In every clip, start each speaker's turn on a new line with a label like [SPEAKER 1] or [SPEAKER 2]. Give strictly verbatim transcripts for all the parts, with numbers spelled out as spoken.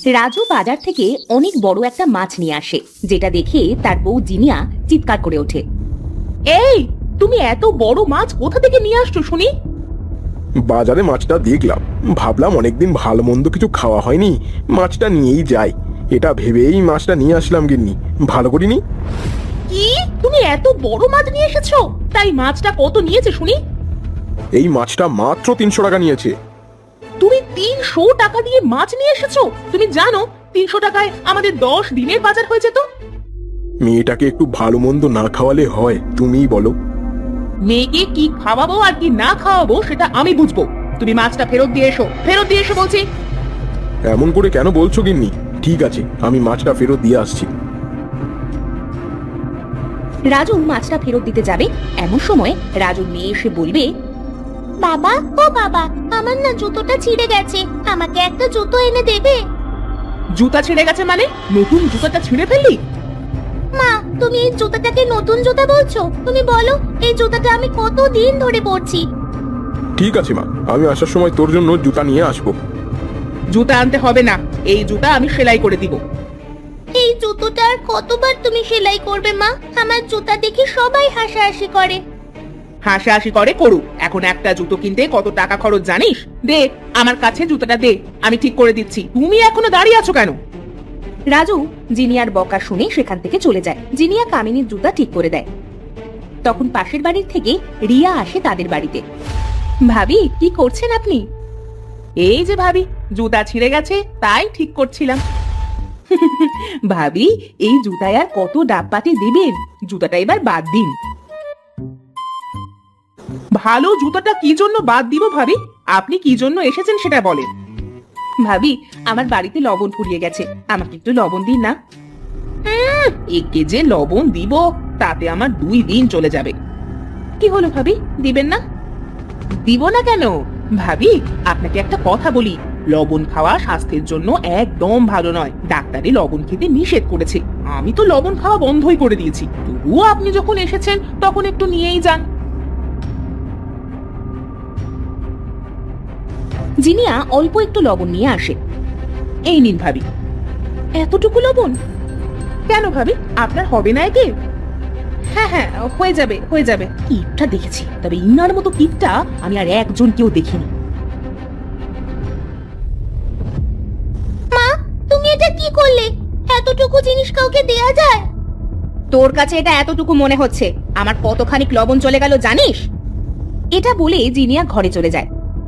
[SPEAKER 1] রাজু বাজার থেকে অনেক বড় একটা মাছ নিয়ে আসে, যেটা দেখে তার বউ জিনিয়া চিৎকার করে ওঠে।
[SPEAKER 2] এই, তুমি এত বড় মাছ কোথা থেকে নিয়ে আসছো শুনি?
[SPEAKER 3] বাজারে মাছটা দেখলাম, ভাবলাম অনেকদিন ভালো মন্দ কিছু খাওয়া হয়নি, মাছটা নিয়েই যাই। এটা ভেবেই মাছটা নিয়ে আসলাম গিন্নি, ভালো করিনি।
[SPEAKER 2] কি, তুমি এত বড় মাছ নিয়ে এসেছো? তাই মাছটা কত নিয়েছে শুনি?
[SPEAKER 3] এই মাছটা মাত্র তিনশো টাকা নিয়েছে।
[SPEAKER 2] তুমি তিনশো টাকা দিয়ে মাছ নিয়ে এসেছো? তুমি জানো তিনশো টাকায় আমাদের দশ দিনের বাজার হয়ে যেত।
[SPEAKER 3] মেয়েটাকে একটু ভালো মন্দ না খাওয়ালে হয়? তুমিই বলো।
[SPEAKER 2] মেয়েকে কি খাওয়াবো আর কি না খাওয়াবো সেটা আমি বুঝবো। তুমি মাছটা ফেরত দিয়ে এসো, ফেরত দিয়ে এসো বলছি।
[SPEAKER 3] এমন করে কেন বলছো গিন্নি? ঠিক আছে, আমি মাছটা ফেরত দিয়ে আসছি।
[SPEAKER 1] রাজু মাছটা ফেরত দিতে যাবে, এমন সময় রাজুর মেয়ে এসে বলবে,
[SPEAKER 4] বাবা, ও বাবা, আমার না জুতোটা ছিঁড়ে গেছে, আমাকে একটা জুতো এনে দেবে?
[SPEAKER 2] জুতা ছিঁড়ে গেছে মানে? নতুন জুতাটা ছিঁড়ে ফেললি?
[SPEAKER 4] মা, তুমি এই জুতাটাকে নতুন জুতা বলছো? তুমি বলো, এই জুতাটা আমি কত দিন ধরে পরছি।
[SPEAKER 3] ঠিক আছে মা, আমি আসার সময় তোর জন্য জুতা নিয়ে আসবো।
[SPEAKER 2] জুতা আনতে হবে না, এই জুতা আমি সেলাই করে দিব।
[SPEAKER 4] এই জুতোটা আর কতবার তুমি সেলাই করবে মা? আমার জুতা দেখে সবাই হাসাহাসি করে।
[SPEAKER 2] হাসাহাসি করে করুক, এখন একটা জুতো কিনতে কত টাকা খরচ জানিস? দে আমার কাছে জুতাটা দে, আমি ঠিক করে দিচ্ছি। তুমি এখনো দাঁড়িয়ে আছো কেন?
[SPEAKER 1] রাজু জিনিয়ার বকা শুনে সেখান থেকে চলে যায়। জিনিয়া কামিনীর জুতা ঠিক করে দেয়। তখন পাশের বাড়ির থেকে রিয়া আসে তাদের বাড়িতে। ভাবি, কি করছেন আপনি?
[SPEAKER 2] এই যে ভাবি, জুতা ছিঁড়ে গেছে তাই ঠিক করছিলাম।
[SPEAKER 1] ভাবি, এই জুতায় আর কত ডাবপাতি দিবেন? জুতাটা এবার বাদ দিন।
[SPEAKER 2] ভালো জুতাটা কি জন্য বাদ দিব ভাবি? আপনি কি জন্য এসেছেন সেটা বলেন।
[SPEAKER 1] ভাবি, আমার বাড়িতে লবণ ফুরিয়ে গেছে, আমাকে একটু লবণ দিন না।
[SPEAKER 2] একে যে লবণ দিব তাতে আমার দুই দিন চলে যাবে।
[SPEAKER 1] কি হলো ভাবি, দিবেন না?
[SPEAKER 2] দিব না কেন ভাবি? আপনাকে একটা কথা বলি, লবণ খাওয়া স্বাস্থ্যের জন্য একদম ভালো নয়। ডাক্তারে লবণ খেতে নিষেধ করেছে। আমি তো লবণ খাওয়া বন্ধই করে দিয়েছি, তবুও আপনি যখন এসেছেন তখন একটু নিয়েই যান।
[SPEAKER 1] জিনিয়া অল্প একটু লবণ নিয়ে আসে।
[SPEAKER 2] এই নিন ভাবি।
[SPEAKER 1] এতটুকু লবণ?
[SPEAKER 2] কেন ভাবি, আপনার হবে না একে?
[SPEAKER 1] হ্যাঁ হ্যাঁ, হয়ে যাবে হয়ে যাবে। কিপটা দেখেছি, তবে ইনার মতো কিপটা আমি আর একজন কেউ দেখিনি।
[SPEAKER 4] মা, তুমি এটা কি করলে? এতটুকু জিনিস কাউকে দেয়া যায়?
[SPEAKER 1] তোর কাছে এটা এতটুকু মনে হচ্ছে? আমার কতখানিক লবণ চলে গেল জানিস? এটা বলে জিনিয়া ঘরে চলে যায়।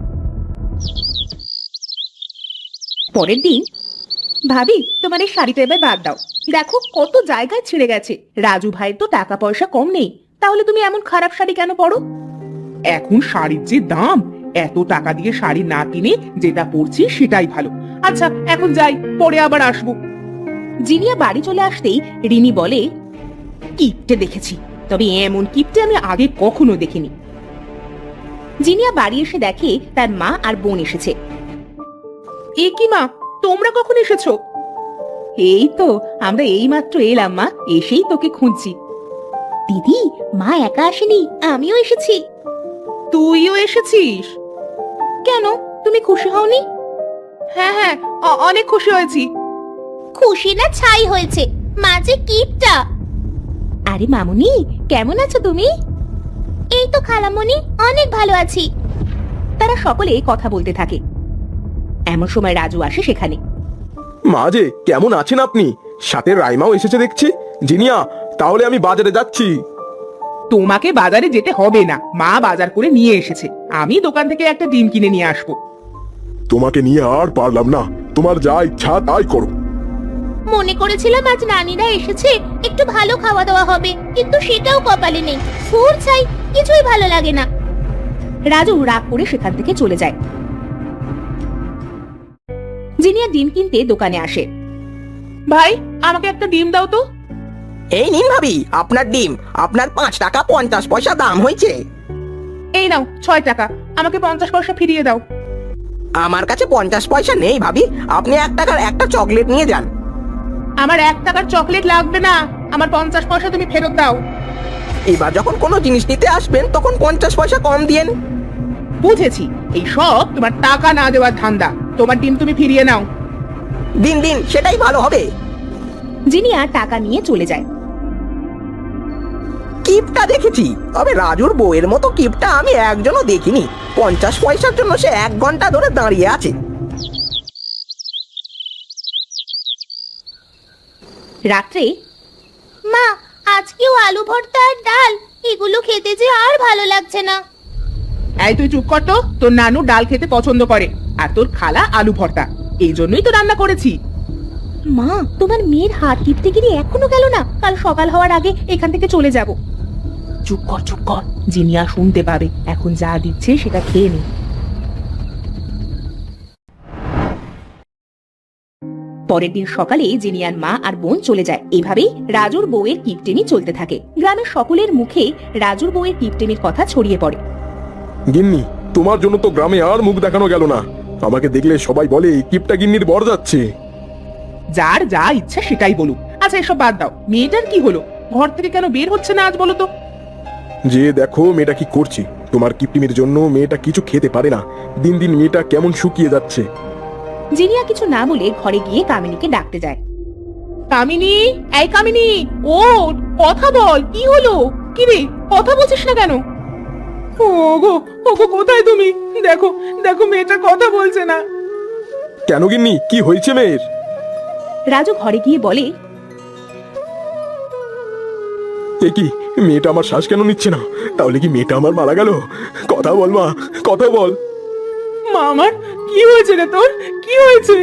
[SPEAKER 1] পরের দিন, ভাবি তোমার এই শাড়িটা এবার বাদ দাও, দেখো কত জায়গায় ছিঁড়ে গেছে। রাজু ভাইয়ের তো টাকা পয়সা কম নেই, তাহলে তুমি এমন খারাপ শাড়ি কেন পরো?
[SPEAKER 2] এখন শাড়ির যে দাম, এত টাকা দিয়ে শাড়ি না কিনে যেটা পরছি সেটাই ভালো। আচ্ছা এখন যাই, পরে আবার আসবো।
[SPEAKER 1] জিনিয়া বাড়ি চলে আসতেই রিনি বলে, কিপটে দেখেছি, তবে এমন কিপটে আমি আগে কখনো দেখিনি। জিনিয়া বাড়ি এসে দেখে তার মা আর বোন এসেছে।
[SPEAKER 2] এ কি মা, তোমরা কখন এসেছো?
[SPEAKER 1] এই তো আমরা এই মাত্র এলাম মা, এসেই তোকে খুঁজছি।
[SPEAKER 4] দিদি, মা একা আসেনি, আমিও এসেছি।
[SPEAKER 2] তুইও এসেছিস?
[SPEAKER 1] কেন, তুমি খুশি হওনি?
[SPEAKER 2] হ্যাঁ হ্যাঁ, অ- অনেক খুশি হয়েছি।
[SPEAKER 4] খুশি না ছাই হয়েছে, মা যে কিপটা।
[SPEAKER 1] আরে মামুনি, কেমন আছো তুমি?
[SPEAKER 4] এই তো খালামণি, অনেক ভালো আছি।
[SPEAKER 1] তারা সকলে কথা বলতে থাকে। এমন সময় রাজু আসে সেখানে।
[SPEAKER 3] মা যে, কেমন আছেন আপনি? সাথে রাইমাও এসেছে দেখছি। জিনিয়া, তাহলে আমি বাজারে যাচ্ছি।
[SPEAKER 2] তোমাকে বাজারে যেতে হবে না, মা বাজার করে নিয়ে এসেছে। আমি দোকান থেকে একটা ডিম কিনে নিয়ে আসবো।
[SPEAKER 3] তোমাকে নিয়ে আর পারলাম না, তোমার যা ইচ্ছা তাই করো।
[SPEAKER 4] মনে করেছিলাম আজ নানিরা এসেছে, একটু ভালো খাওয়া দাওয়া হবে, কিন্তু সেটাও কপালে নেই। ফুর চাই, কিছুই ভালো লাগে না।
[SPEAKER 1] রাজু রাগ করে সেখান থেকে চলে যায়। জিনিয়া ডিম কিনতে দোকানে আসে।
[SPEAKER 2] ভাই, আমাকে একটা ডিম দাও তো।
[SPEAKER 5] এই নিন ভাবি, আপনার ডিম। আপনার পাঁচ টাকা পঞ্চাশ পয়সা দাম হয়েছে।
[SPEAKER 2] এই নাও ছয় টাকা, আমাকে পঞ্চাশ পয়সা ফিরিয়ে দাও।
[SPEAKER 5] আমার কাছে পঞ্চাশ পয়সা নেই ভাবি, আপনি এক টাকার একটা চকলেট নিয়ে যান।
[SPEAKER 2] আমার এক টাকার চকলেট লাগবে না, আমার পঞ্চাশ পয়সা তুমি ফেরত দাও।
[SPEAKER 5] এবার যখন কোনো জিনিস নিতে আসবেন তখন পঞ্চাশ পয়সা কম দিয়েন।
[SPEAKER 2] বুঝেছি, এই সব তোমার টাকা না দেওয়ার ধান্দা। তোমার ডিম তুমি ফিরিয়ে নাও।
[SPEAKER 5] দিন দিন সেটাই ভালো হবে।
[SPEAKER 1] জিনিয়া টাকা নিয়ে চলে যায়।
[SPEAKER 5] কিপটা দেখেছি, তবে রাজুর বউয়ের মতো কিপটা আমি একজনও দেখিনি। পঞ্চাশ পয়সার জন্য সে এক ঘন্টা ধরে দাঁড়িয়ে আছে।
[SPEAKER 1] রাত্রে
[SPEAKER 4] মা, আজকেও আলু ভর্তা আর ডাল, এগুলো খেতে যে আর ভালো লাগছে না।
[SPEAKER 2] এই তুই চুপ কর তো, তোর নানু ডাল খেতে পছন্দ করে আর তোর খালা আলু ভর্তা, এই জন্যই তো রান্না করেছি।
[SPEAKER 1] মা, তোমার মেয়ের হাত টিপতে গিয়ে এখনো গেল না? কাল সকাল হওয়ার আগে এখান থেকে চলে যাব।
[SPEAKER 2] চুপ কর চুপ কর, জিনিয়া শুনতে পাবে। এখন যা দিচ্ছে সেটা খেয়ে নে।
[SPEAKER 1] পরের দিন সকালে জিনিয়ার মা আর বোন চলে যায়। এভাবেই রাজুর বউয়ের কিপটেমি চলতে থাকে। গ্রামের সকলের মুখে রাজুর বউয়ের কিপটেমির কথা ছড়িয়ে পড়ে।
[SPEAKER 3] গিন্নি, তোমার জন্য তো গ্রামে আর মুখ দেখানো গেল না। আমাকে দেখলে সবাই বলে কিপটা গিন্নির বর যাচ্ছে।
[SPEAKER 2] যার যা ইচ্ছা সেটাই বলুক। আচ্ছা এসব বাদ দাও, মেয়েটার কি হলো? ঘর থেকে কেন বের হচ্ছে না আজ বলো তো?
[SPEAKER 3] যে দেখো মেয়েটা কি করছে। তোমার কিপটিমির জন্য মেয়েটা কিছু খেতে পারে না। দিন দিন মেয়েটা কেমন শুকিয়ে যাচ্ছে।
[SPEAKER 1] জিনিয়া কিছু না বলে ঘরে গিয়ে কামিনীকে ডাকতে যায়।
[SPEAKER 2] কামিনী, এই কামিনী, ও কথা বল, কি হলো? কি রে, কথা বলছিস না কেন? ওগো ওগো, কোথায় তুমি? দেখো দেখো, মেয়েটা কথা বলছে না।
[SPEAKER 3] কেন গিন্নি, কি হয়েছে মেয়ের?
[SPEAKER 1] রাজু ঘরে গিয়ে বলে,
[SPEAKER 3] এ কি, মেয়েটা আমার শ্বাস কেন নিচ্ছে না? তাহলে কি মেয়েটা আমার মারা গেল? কথা বল মা, কথা বল।
[SPEAKER 2] মা আমার, কি হয়েছে রে তোর? কি হয়েছে?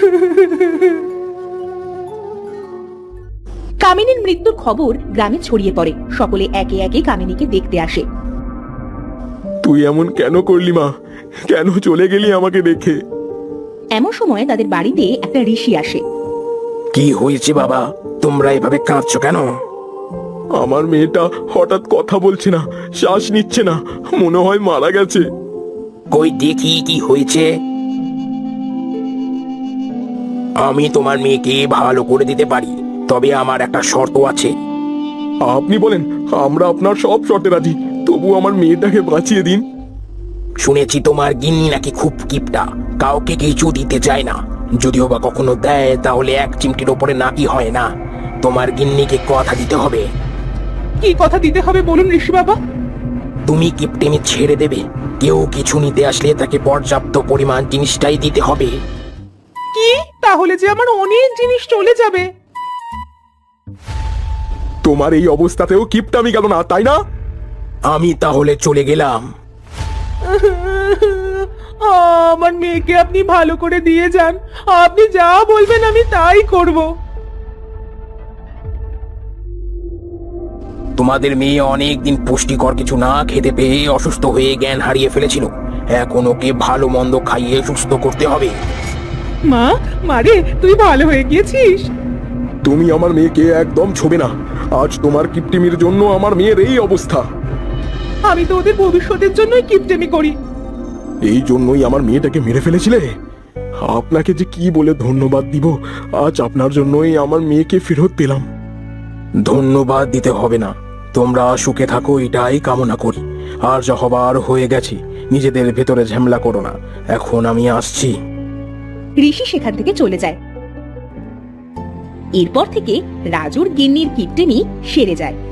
[SPEAKER 1] কামিনীর মৃত্যুর খবর গ্রামে ছড়িয়ে পড়ে। সকলে একে একে কামিনীকে দেখতে আসে।
[SPEAKER 3] তুই এমন কেন করলি মা? কেন চলে গেলি আমাকে দেখে?
[SPEAKER 1] এমন সময় তাদের বাড়িতে একটা ঋষি আসে।
[SPEAKER 5] কি হয়েছে বাবা, তোমরা এভাবে কাঁদছো কেন?
[SPEAKER 3] আমার মেয়েটা হঠাৎ কথা বলছে না, শ্বাস নিচ্ছে না, মনে হয় মারা গেছে।
[SPEAKER 5] কই দেখি কি হয়েছে। আমি তোমার মেয়েকে ভালো করে দিতে পারি, তবে আমার একটা শর্ত আছে।
[SPEAKER 3] আপনি বলেন, আমরা আপনার সব শর্তে রাজি, তবু আমার মেয়েটাকে বাঁচিয়ে দিন।
[SPEAKER 5] শুনেছি তোমার গিন্নি নাকি খুব কিপটা, কাউকে কিছু দিতে চায় না। যদিও বা কখনো দেয় তাহলে এক চিমটির ওপরে নাকি হয় না। তোমার গিন্নিকে কথা দিতে হবে।
[SPEAKER 2] কি কথা দিতে হবে বলুন ঋষি বাবা?
[SPEAKER 5] তুমি কিপটেমি ছেড়ে দেবে। কেউ কিছু নিতে আসলে তাকে পর্যাপ্ত পরিমাণ জিনিসটাই দিতে হবে।
[SPEAKER 2] কি, তাহলে যে আমার অনেক জিনিস চলে যাবে।
[SPEAKER 3] তোমার এই অবস্থাতেও কিপটামি গেল না, তাই না?
[SPEAKER 5] আমি তাহলে চলে গেলাম।
[SPEAKER 2] আমার মেয়েকে আপনি ভালো করে দিয়ে যান, আপনি যা বলবেন আমি তাই করব।
[SPEAKER 5] তোমাদের মেয়ে অনেকদিন পুষ্টিকর কিছু না খেতে পেয়ে অসুস্থ হয়ে জ্ঞান হারিয়ে ফেলেছিল। এখন ওকে ভালো মন্দ খাইয়ে সুস্থ করতে হবে।
[SPEAKER 2] মা, মারে, তুই ভালো হয়ে গিয়েছিস।
[SPEAKER 3] তুমি আমার মেয়েকে একদম ছোবে না। আজ তোমার কিপটিমির জন্য আমার মেয়ের এই অবস্থা।
[SPEAKER 2] আমি তো ওদের ভবিষ্যতের জন্যই কিপটেমি করি।
[SPEAKER 3] এই জন্যই আমার মেয়েটাকে মেরে ফেলেছিলে? আপনাকে যে কি বলে ধন্যবাদ দিব। আজ আপনার জন্যই আমার মেয়েকে ফেরত পেলাম।
[SPEAKER 5] ধন্যবাদ দিতে হবে না, তোমরা সুখে থাকো এটাই কামনা করি। আর যা হবার হয়ে গেছে, নিজেদের ভেতরে ঝামেলা করো না। এখন আমি আসছি।
[SPEAKER 1] ঋষি সেখান থেকে চলে যায়। এরপর থেকে রাজুর গিন্নির কিপটেমি সেরে যায়।